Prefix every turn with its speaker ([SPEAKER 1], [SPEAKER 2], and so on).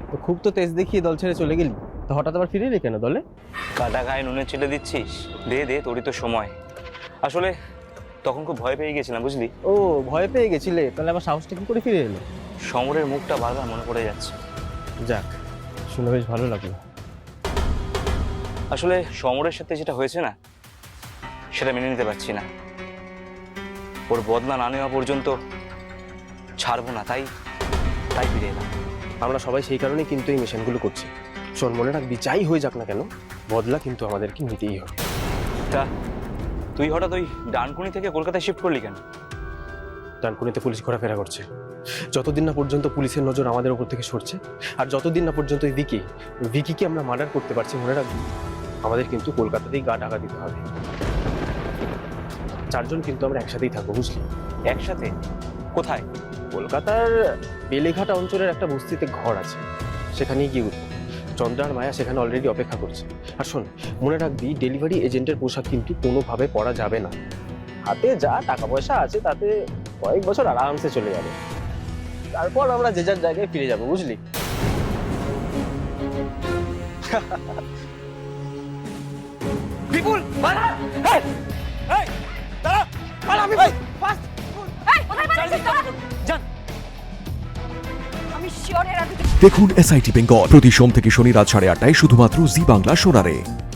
[SPEAKER 1] তো খুব তো তেজ দেখিয়ে দল ছেড়ে চলে গেলি, তো হঠাৎ আবার ফিরে এলি কেন দলে?
[SPEAKER 2] কাটা গায়ে নুনে চেলে দিচ্ছিস? দে দে, তোরই তো সময়। আসলে তখন খুব ভয় পেয়ে গেছিলাম, বুঝলি?
[SPEAKER 1] ও, ভয় পেয়ে গেছিলে? তাহলে আমার সাহসটা কি করে ফিরে এলো?
[SPEAKER 2] সমরের মুখটা বারবার মনে পড়ে যাচ্ছে।
[SPEAKER 1] যাক, শুনে বেশ ভালো লাগলো।
[SPEAKER 2] আসলে সমরের সাথে যেটা হয়েছে না, সেটা মেনে নিতে পারছি না। ওর বদলা না নেওয়া পর্যন্ত ছাড়বো না, তাই ফিরে এলাম।
[SPEAKER 1] আমরা সবাই সেই কারণেই কিন্তু এই মিশনগুলো করছি। শোন, মনে রাখবি, যাই হয়ে যাক না কেন, বদলা কিন্তু আমাদেরকে নিতেই হবে।
[SPEAKER 2] তা তুই হঠাৎ ওই ডানকুনি থেকে কলকাতায় শিফট করলি কেন?
[SPEAKER 1] ডানকুনিতে পুলিশ ঘোরাফেরা করছে। যতদিন না পর্যন্ত পুলিশের নজর আমাদের উপর থেকে সরছে, আর যতদিন না পর্যন্ত ওই ভিকিকে আমরা মার্ডার করতে পারছি, মনে রাখবি, আমাদের কিন্তু কলকাতাতেই গা ঢাকা দিতে হবে। 4 জন কিন্তু আমরা একসাথেই থাকবো, বুঝলি?
[SPEAKER 2] একসাথে? কোথায়?
[SPEAKER 1] কলকাতার বেলেঘাটা অঞ্চলের একটা বস্তিতে ঘর আছে, সেখানেই গিয়ে উঠবো। চন্দ্র আর মায়া সেখানে অলরেডি অপেক্ষা করছে। আর শোন, মনে রাখবি, ডেলিভারি এজেন্টের পোশাক কিন্তু কোনোভাবে পরা যাবে না। হাতে যা টাকা পয়সা আছে তাতে কয়েক বছর আরামসে চলে যাবে, তারপর আমরা যে যার জায়গায় ফিরে যাবো, বুঝলি?
[SPEAKER 2] বিপুল, পালা! এই! এই! দাঁড়া! পালা বিপুল! ফাস্ট!
[SPEAKER 3] এই, কোথায় পালাচ্ছিস তোরা?
[SPEAKER 2] যান!
[SPEAKER 3] আমি শিওর এর আগে
[SPEAKER 4] দেখুন SIT বেঙ্গল প্রতি সোম থেকে শনি রাত 8:30টায় শুধুমাত্র জি বাংলা সোনারে।